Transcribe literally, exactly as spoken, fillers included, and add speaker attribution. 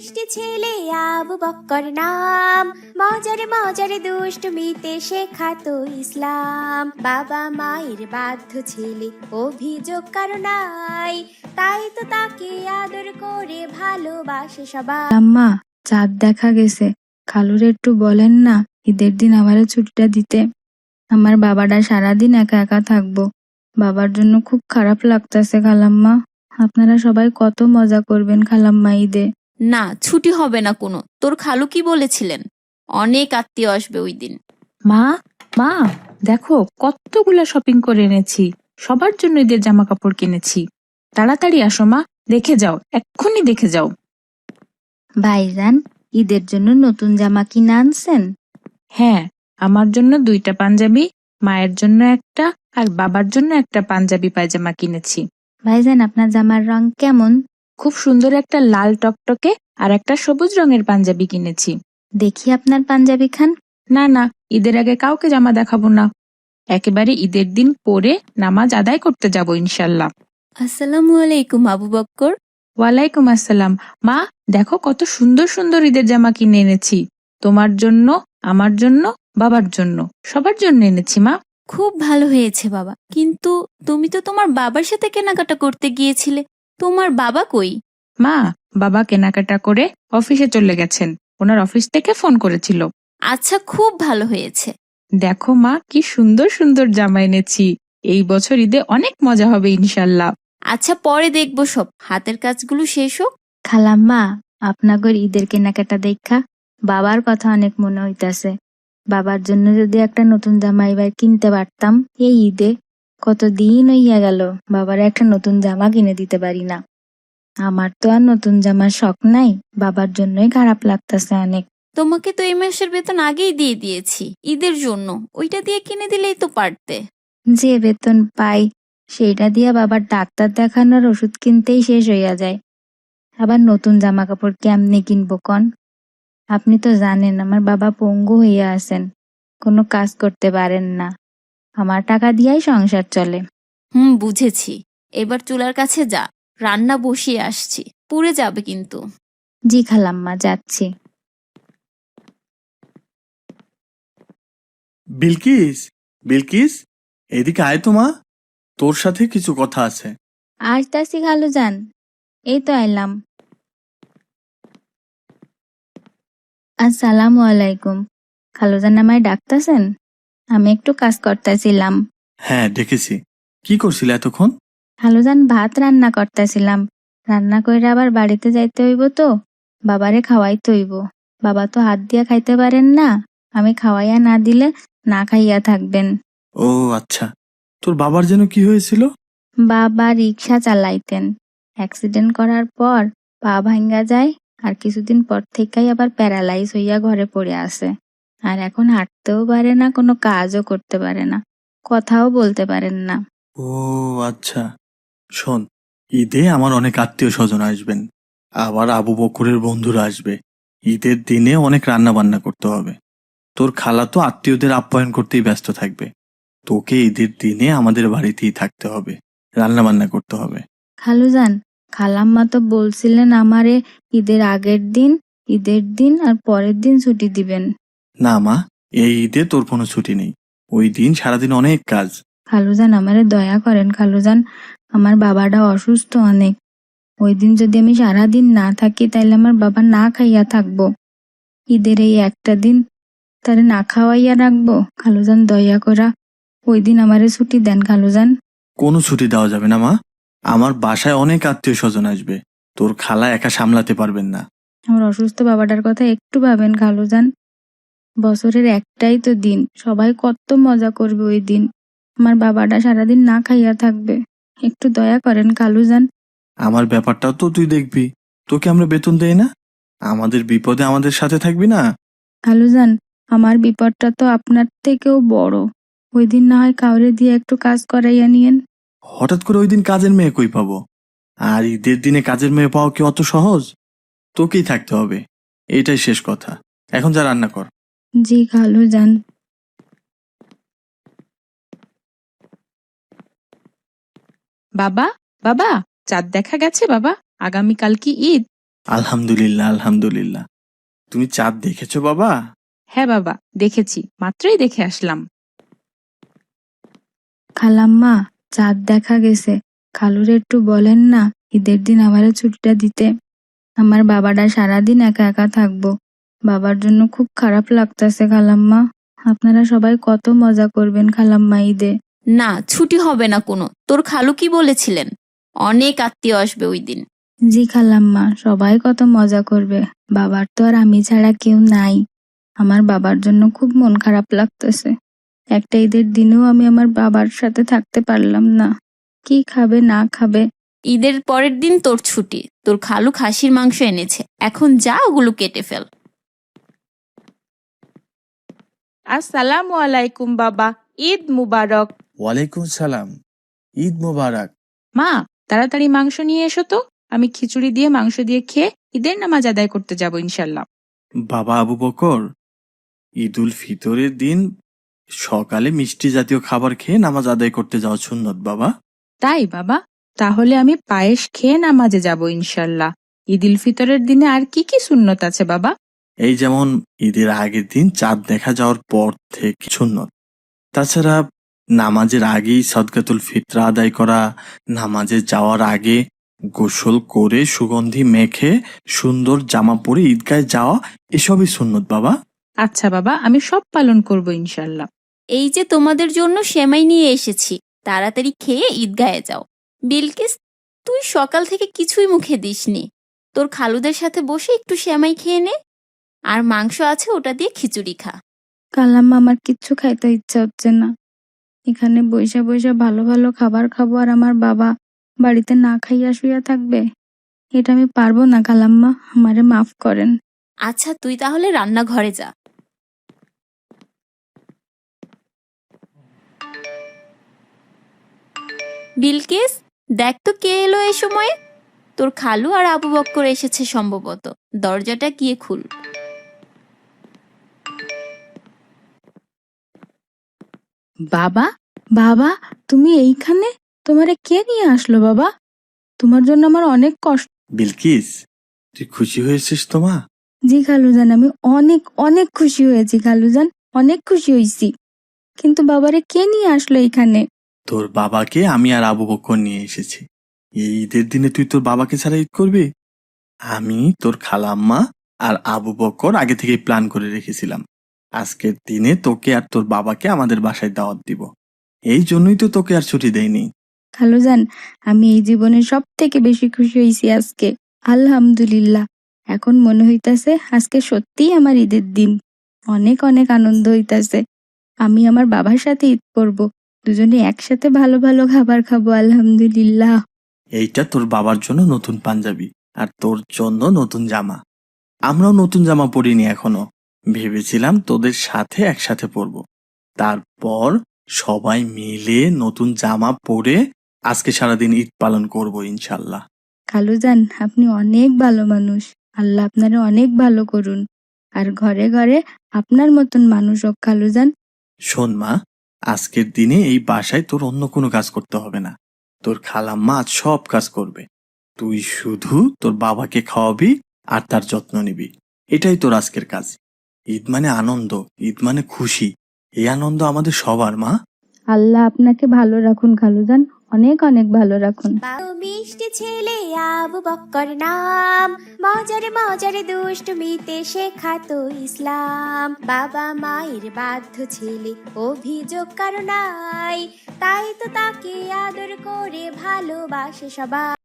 Speaker 1: মিষ্টি ছেলে আবু বক্কর নাম, মজারে মজারে দুষ্টমিতে শেখাতো ইসলাম। বাবা মায়ের বাধ্য ছেলে, অভিযোগ কারো নাই, তাই তো তাকে আদর করে ভালোবাসে সবাই।
Speaker 2: আম্মা, চাঁদ দেখা গেছে, খালুর একটু বলেন না ঈদের দিন আমারে ছুটিটা দিতে। আমার বাবাটা সারাদিন একা একা থাকবো, বাবার জন্য খুব খারাপ লাগতেছে খালাম্মা। আপনারা সবাই কত মজা করবেন খালাম্মা ঈদে।
Speaker 3: না, ছুটি হবে না কোনো। তোর খালু কি বলেছিলেন? অনেক আত্মীয় আসবে ওই দিন।
Speaker 4: মা মা দেখো কতগুলা শপিং করে এনেছি, সবার জন্য ঈদের জামা কাপড় কিনেছি। তাড়াতাড়ি আসো মা, দেখে যাও, এক্ষুনি দেখে যাও।
Speaker 2: ভাইজান, ঈদের জন্য নতুন জামা কিনে আনছেন?
Speaker 4: হ্যাঁ, আমার জন্য দুইটা পাঞ্জাবি, মায়ের জন্য একটা, আর বাবার জন্য একটা পাঞ্জাবি পায়জামা কিনেছি।
Speaker 2: ভাইজান, আপনার জামার রং কেমন?
Speaker 4: খুব সুন্দর একটা লাল টকটকে আর একটা সবুজ রঙের পাঞ্জাবি কিনেছি।
Speaker 2: দেখি আপনার পাঞ্জাবি খান।
Speaker 4: না না, ঈদের আগে কাউকে জামা দেখাবো না, একেবারে ঈদের দিন পরে নামাজ আদায় করতে যাব ইনশাল্লাহ।
Speaker 3: আসসালামু আলাইকুম আবু বক্কর।
Speaker 4: ওয়ালাইকুম আসসালাম। মা, দেখো কত সুন্দর সুন্দর ঈদের জামা কিনে এনেছি, তোমার জন্য, আমার জন্য, বাবার জন্য, সবার জন্য এনেছি মা।
Speaker 3: খুব ভালো হয়েছে বাবা, কিন্তু তুমি তো তোমার বাবার সাথে কেনাকাটা করতে গিয়েছিলে। তোমার বাবা কই?
Speaker 4: মা, বাবা কেনাকাটা করে অফিসে চলে গেছেন, ওনার অফিস থেকে ফোন করেছিল।
Speaker 3: আচ্ছা, খুব ভালো হয়েছে।
Speaker 4: দেখো মা, কি সুন্দর সুন্দর জামা এনেছি, এই বছর ঈদে অনেক মজা হবে ইনশাল্লাহ।
Speaker 3: আচ্ছা, পরে দেখবো, সব হাতের কাজগুলো শেষ হোক।
Speaker 2: খালাম্মা, আপনাগর ঈদের কেনাকাটা দেখা বাবার কথা অনেক মনে হইতাছে। বাবার জন্য যদি একটা নতুন জামা এবার কিনতে পারতাম এই ঈদে। কতদিন হইয়া গেল বাবার একটা নতুন জামা কিনে দিতে পারি না। আমার তো আর নতুন জামার শখ নাই, বাবার জন্যই খারাপ লাগতাছে অনেক।
Speaker 3: তোমাকে তো এই মাসের বেতন আগেই দিয়ে দিয়েছি ঈদের জন্য, ওইটা দিয়ে কিনে দিলেই তো পারতে।
Speaker 2: যে বেতন পাই সেটা দিয়া বাবার ডাক্তার দেখানোর ওষুধ কিনতেই শেষ হইয়া যায়, আবার নতুন জামা কাপড় কেমনে কিনবো কন? আপনি তো জানেন আমার বাবা পঙ্গু হইয়া আছেন, কোনো কাজ করতে পারেন না, আমার টাকা দিয়াই সংসার চলে।
Speaker 3: হুম, বুঝেছি। এবার চুলার কাছে যা, রান্না বসিয়ে আসছি, পুড়ে যাবে কিন্তু।
Speaker 2: জি খালাম্মা, যাচ্ছি।
Speaker 5: বিলকিস, বিলকিস, এদিকে আয় তো মা, তোর সাথে কিছু কথা আছে।
Speaker 2: আসতাছি খালু যান, এই তো আইলাম। আসসালামু আলাইকুম। খালুজান আমায় ডাকতাছেন? আমি একটু কাজ করতেছিলাম।
Speaker 5: হ্যাঁ, ডেকেছি। কি করছিলে এতক্ষণ?
Speaker 2: খালুজান, ভাত রান্না করতেছিলাম, রান্না কইরা আবার বাড়িতে যাইতে হইব তো, বাবারে খাওয়াইতে হইব। বাবা তো হাত দিয়া খাইতে পারেন না, আমি খাওয়াইয়া না দিলে না খাইয়া থাকবেন।
Speaker 5: ও আচ্ছা, তোর বাবার যেন কি হয়েছিল?
Speaker 2: বাবা রিক্সা চালাইতেন, অ্যাক্সিডেন্ট করার পর পা ভাঙ্গা যায়, আর কিছুদিন পর থেকেই আবার প্যারালাইজ হইয়া ঘরে পড়ে আছে। আর এখন হাঁটতেও পারে না, কোনো কাজও করতে পারে না, কথাও বলতে পারেন না।
Speaker 5: ও আচ্ছা, শোন, ঈদে আমার অনেক আত্মীয় স্বজন আসবেন, আবার আবু বকরের বন্ধুরা আসবে। ঈদের দিনে অনেক রান্না বান্না করতে হবে। তোর খালা তো আত্মীয়দের আপ্যায়ন করতেই ব্যস্ত থাকবে। তোকে ঈদের দিনে আমাদের বাড়িতেই থাকতে হবে, রান্না বান্না করতে হবে।
Speaker 2: খালুজান, খালাম্মা তো বলছিলেন আমারে ঈদের আগের দিন, ঈদের দিন আর পরের দিন ছুটি দিবেন।
Speaker 5: না মা, এই ঈদে তোর কোনো ছুটি নেই, ওই দিন সারাদিন অনেক কাজ।
Speaker 2: খালুজান, আমারে দয়া করেন খালুজান, আমার বাবাটা অসুস্থ অনেক, ওই দিন যদি আমি সারাদিন না থাকি তাইলে আমার বাবা না খাইয়া থাকবো। ঈদের এই একটা দিন তারে না খাওয়াইয়া রাখবো। খালুজান, দয়া করা ওই দিন আমারে ছুটি দেন খালুজান।
Speaker 5: কোনো ছুটি দেওয়া যাবে না মা, আমার বাসায় অনেক আত্মীয় স্বজন আসবে, তোর খালা একা সামলাতে পারবেন না।
Speaker 2: আমার অসুস্থ বাবাটার কথা একটু ভাবেন খালুজান, বছরের একটাই তো দিন, সবাই কত মজা করবে ওই দিন, আমার বাবাটা সারাদিন না খাইয়া থাকবে, একটু দয়া করেন খালুজান।
Speaker 5: আমার ব্যাপারটাও তো তুই দেখবি, তোকে আমরা বেতন দেই না? আমাদের বিপদে আমাদের সাথে থাকবি না?
Speaker 2: খালুজান, আমার বিপদটা তো আপনার থেকেও বড়, ওই দিন না হয় কাউরে দিয়ে একটু কাজ করাইয়া নিয়েন।
Speaker 5: হঠাৎ করে ওই দিন কাজের মেয়ে কই পাবো? আর ঈদের দিনে কাজের মেয়ে পাওয়া কি অত সহজ? তোকেই থাকতে হবে, এইটাই শেষ কথা। এখন যা রান্না কর।
Speaker 2: জি খালুজান।
Speaker 4: বাবা, বাবা, চাঁদ দেখা গেছে বাবা? আগামীকাল কি ঈদ?
Speaker 5: আলহামদুলিল্লাহ, আলহামদুলিল্লাহ। তুমি চাঁদ দেখেছো বাবা?
Speaker 4: হ্যাঁ বাবা, দেখেছি, মাত্রই দেখে আসলাম।
Speaker 2: খালাম্মা, চাঁদ দেখা গেছে। খালুর একটু বলেন না ঈদের দিন আমারে ছুটিটা দিতে। আমার বাবাটা সারাদিন একা একা থাকবো। বাবার জন্য খুব খারাপ লাগতাছে খালাম্মা। আপনারা সবাই কত মজা করবেন খালাম্মা ঈদে।
Speaker 3: না, ছুটি হবে না কোনো। তোর খালু কি বলেছিলেন? অনেক আত্মীয় আসবে ওই দিন।
Speaker 2: জি খালাম্মা, সবাই কত মজা করবে। বাবার তো আর আমি ছাড়া কেউ নাই। আমার বাবার জন্য খুব মন খারাপ লাগতেছে। একটা ঈদের দিনেও আমি আমার বাবার সাথে থাকতে পারলাম না। কি খাবে না খাবে।
Speaker 3: ঈদের পরের দিন তোর ছুটি। তোর খালু খাসির মাংস এনেছে, এখন যা ওগুলো কেটে ফেল।
Speaker 4: আসসালামু আলাইকুম বাবা, ঈদ মুবারক।
Speaker 5: ওয়ালাইকুম সালাম, ঈদ মোবারক।
Speaker 4: মা, তাড়াতাড়ি মাংস নিয়ে এসো তো, আমি খিচুড়ি দিয়ে মাংস দিয়ে খেয়ে ঈদের নামাজ আদায় করতে যাব ইনশাল্লাহ।
Speaker 5: বাবা আবু বকর, ঈদ উল ফিতরের দিন সকালে মিষ্টি জাতীয় খাবার খেয়ে নামাজ আদায় করতে যাওয়া সুন্নত বাবা।
Speaker 4: তাই বাবা, তাহলে আমি পায়েস খেয়ে নামাজে যাব ইনশাল্লাহ। ঈদ উল ফিতরের দিনে আর কি কি সুন্নত আছে বাবা?
Speaker 5: এই যেমন ঈদের আগের দিন চাঁদ দেখা যাওয়ার পর থেকে সুন্নত। তাছাড়া নামাজের আগেই সদকাতুল ফিতরা আদায় করা, নামাজে যাওয়ার আগে গোসল করে সুগন্ধি মেখে সুন্দর জামা পরে ঈদগায় যাওয়া, এসবই সুন্নত বাবা।
Speaker 4: আচ্ছা বাবা, আমি সব পালন করব ইনশাল্লাহ।
Speaker 3: এই যে তোমাদের জন্য সেমাই নিয়ে এসেছি, তাড়াতাড়ি খেয়ে ঈদগায়ে যাও। বিলকিস, তুই সকাল থেকে কিছুই মুখে দিসনি। তোর খালুদের সাথে বসে একটু সেমাই খেয়ে নে, আর মাংস আছে ওটা দিয়ে খিচুড়ি খা।
Speaker 2: খালাম্মা, আমার কিচ্ছু খাইতে ইচ্ছা হচ্ছে না। এখানে বইসা বইসা ভালো ভালো খাবার খাবো আর আমার বাবা বাড়িতে না খাইয়া শুইয়া থাকবে। এটা আমি পারবো না খালাম্মা, আমারে মাফ করেন।
Speaker 3: আচ্ছা, তুই তাহলে রান্নাঘরে যা। বিলকিস, দেখ তো কে এলো এই সময়ে। তোর খালু আর আবু বক্কর এসেছে সম্ভবত। দরজাটা গিয়ে খুল।
Speaker 2: বাবা, বাবা, তুমি এইখানে? তোমারে কে নিয়ে আসলো বাবা? তোমার জন্য আমার অনেক কষ্ট।
Speaker 5: বিলকিস, তুই খুশি হয়েছিস তো মা?
Speaker 2: জি খালুজান, আমি অনেক অনেক খুশি হয়েছি খালুজান, অনেক খুশি হয়েছি। কিন্তু বাবারে কে নিয়ে আসলো এইখানে?
Speaker 5: তোর বাবাকে আমি আর আবু বকর নিয়ে এসেছি। এই ঈদের দিনে তুই তোর বাবাকে ছাড়া ঈদ করবি? আমি, তোর খালাম্মা আর আবু বকর আগে থেকেই প্ল্যান করে রেখেছিলাম আজকের দিনে তোকে আর তোর বাবাকে আমাদের বাসায় দাওয়াত দিব। এই জন্যই তো তোকে আর ছুটি দেয়নি।
Speaker 2: খালুজান, আমি এই জীবনে সব থেকে বেশি খুশি হয়েছি আজকে। আলহামদুলিল্লাহ। এখন মনে হইতাছে আজকে সত্যিই আমার ঈদের দিন। অনেক অনেক আনন্দ হইতাছে। আমি আমার বাবার সাথে ঈদ করব। দুজনে একসাথে ভালো ভালো খাবার খাবো আলহামদুলিল্লাহ।
Speaker 5: এইটা তোর বাবার জন্য নতুন পাঞ্জাবি আর তোর জন্য নতুন জামা। আমরাও নতুন জামা পরিনি এখনো, ভেবেছিলাম তোদের সাথে একসাথে পরবো। তারপর সবাই মিলে নতুন জামা পরে আজকে সারাদিন ঈদ পালন করব ইনশাল্লাহ।
Speaker 2: খালুজান, আপনি অনেক ভালো মানুষ। আল্লাহ আপনারে অনেক ভালো করুন। আর ঘরে ঘরে আপনার মতন মানুষ হোক খালুজান।
Speaker 5: শোন মা, আজকের দিনে এই বাসায় তোর অন্য কোনো কাজ করতে হবে না। তোর খালাম্মা আজ সব কাজ করবে। তুই শুধু তোর বাবাকে খাওয়াবি আর তার যত্ন নিবি। এটাই তোর আজকের কাজ। ঈদ মানে আনন্দ, ঈদ মানে খুশি। এই আনন্দ আমাদের সবার মা।
Speaker 2: আল্লাহ আপনাকে ভালো রাখুন খালুজান, অনেক অনেক ভালো রাখুন।
Speaker 1: বাবু মিষ্টি ছেলে আবু বক্কর নাম, মজারে মজারে দুষ্টমিতে শেখাতো ইসলাম। বাবা মায়ের বাধ্য ছেলে, অভিযোগ কারো নাই, তাই তো তাকে আদর করে ভালোবাসে সবাই।